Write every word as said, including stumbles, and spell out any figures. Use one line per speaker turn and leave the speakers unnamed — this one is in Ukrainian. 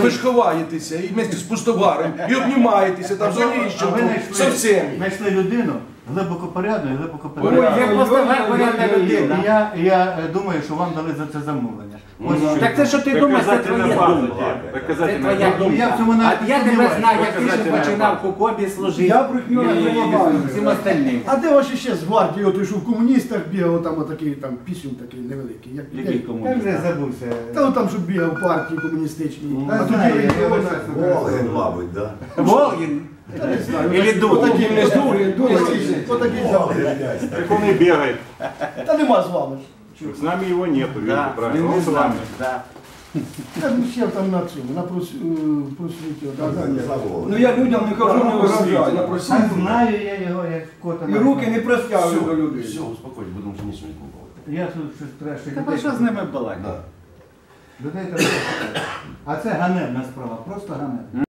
ви ж ховаєтеся і вместе з Пустоваром, і обнімаєтеся там з Оліщенком, со всім.
Знайшли людину глибоко порядну і глибоко
Ой,
порядну.
як Пустовар порядна людина.
І я, і я е, думаю, що вам дали за це замовлення. Ось
Так це що ти думаєш, це твоя думка. Це твоя
Ну, я в цьому
думка.
навіть
А я тебе
сумніваюся.
знаю, як ти ще починав в Кокобі служити.
Я брехню не вимагаю.
І всім остальним.
А де ваші ще з гвардії, от що в комуністах бігав, там отакий там пісюн такий невеликий. Як,
Який
як-
Я
комуніст?
вже забувся.
Та от там, що бігав в партії комуністичній.
Та
А тоді
знаю, я
регіонах.
весь час знаю.
Волгин, мабуть, да?
Волгін.
Та не знаю.
Или Дуд.
Отакий
Не
Дуд,
Дуд,
Дуд,
Дуд.
отакий завжди.
Так он и бегает.
Та нема з вами ж.
С нами его нету, видите,
Да,
правильно?
він
Он
не
с
з
вами.
нами. Да.
Та ну ще там на цьому, на прос- е, просвіті. от, а,
Не
ні.
за Волгин.
Ну я людям не кажу, не виражаю, на
А
просінку.
знаю я його, як кота.
І руки не простягую до людей.
Все, успокойтесь, потому что ничего не было.
Я тут щось краще.
Та про що з ними балакати?
Да.
Людей треба. А це ганебна справа, просто ганебна.